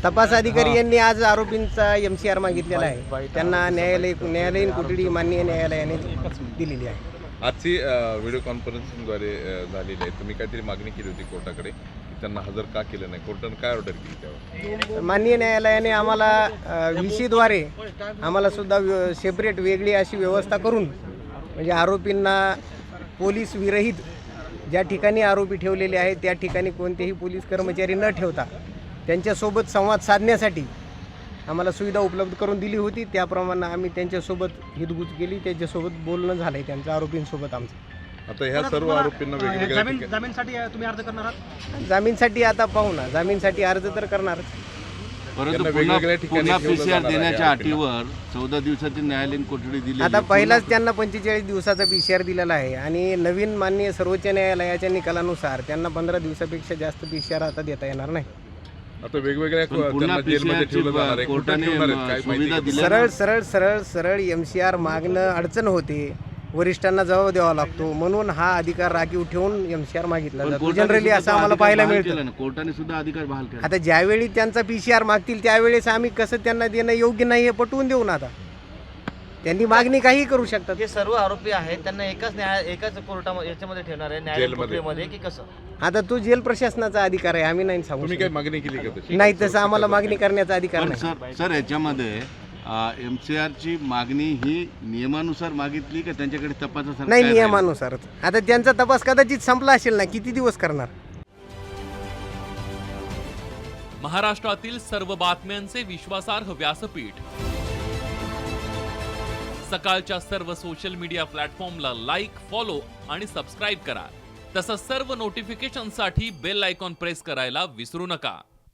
तपास अधिकारी यांनी आज आरोपींचा MCR मागितलेला आहे. त्यांना न्यायालयीन कोठडी माननीय न्यायालयाने दिलेली आहे. आजची व्हिडिओ कॉन्फरन्सिंगद्वारे झालेली आहे. तुम्ही काहीतरी मागणी केली होती कोर्टाकडे की त्यांना हजर का केलं नाही, कोर्टाने काय ऑर्डर केली त्यावर? माननीय न्यायालयाने आम्हाला VC द्वारे आम्हाला सुद्धा सेपरेट वेगळी अशी व्यवस्था करून, म्हणजे आरोपींना पोलीस विरहित ज्या ठिकाणी आरोपी ठेवलेले आहेत त्या ठिकाणी कोणतेही पोलीस कर्मचारी न ठेवता त्यांच्यासोबत संवाद साधण्यासाठी आम्हाला सुविधा उपलब्ध करून दिली होती. त्याप्रमाणे आम्ही त्यांच्यासोबत हितगुज केली, त्यांच्यासोबत बोलणं झालं आहे त्यांचं आरोपींसोबत आमचं. आता ह्या सर्व आरोपींना वेगवेगळ्या जामीनसाठी तुम्ही अर्ज करणार आहात? जामीनसाठी आता पाहू ना, जामीनसाठी अर्ज तर करणारच. परंतु पुन्हा PCR देण्याच्या अटीवर 14 दिवसाची न्यायालयीन कोठडी दिली. आता पहिलाच त्यांना 45 दिवसाचा PCR दिलेला आहे आणि नवीन माननीय सर्वोच्च न्यायालयाच्या निकालानुसार त्यांना 15 दिवसापेक्षा जास्त PCR आता देता येणार नाही. आता वेगवेगळ्या त्यांना जेलमध्ये ठेवलं जाणार आहे, कोर्टात ठेवणार आहेत, काय माहिती? सरळ सरळ सरळ सरळ MCR मागणं अडचण होते, वरिष्ठांना जबाब द्यावा लागतो, म्हणून हा अधिकार राखीव ठेवून MCR मागितला जातो. जनरली असं आम्हाला पाहायला मिळतं. कोर्टाने सुद्धा अधिकार बहाल केला. आता ज्यावेळी त्यांचा PCR मागतील त्यावेळेस आम्ही कसं त्यांना देणं योग्य नाही हे पटवून देऊ ना. आता त्यांनी मागणी काही करू शकतात. जे सर्व आरोपी आहेत त्यांना एकाच कोर्टामध्ये याच्यामध्ये ठेवणार आहे, न्यायालयामध्ये की कसं? आता तो जेल प्रशासनाचा अधिकार आहे, आम्ही नाही सांगू तुम्ही शकत. काय मागणी केली का तशी? नाही, तसं आम्हाला मागणी करण्याचा अधिकार पण नाही. सर याच्यामध्ये MCR ची मागणी ही नियमानुसार मागितली का त्यांच्याकडे तपासासाठी? नाही, नियमानुसारच. आता त्यांचा तपास कदाचित संपला असेल ना, किती दिवस करणार? महाराष्ट्रातील सर्व बातम्यांचे विश्वासार्ह व्यासपीठ, सकाळच्या सर्व सोशल मीडिया प्लॅटफॉर्मला लाईक, फॉलो आणि सबस्क्राईब करा. तसंच सर्व नोटिफिकेशनसाठी बेल आयकॉन प्रेस करायला विसरू नका.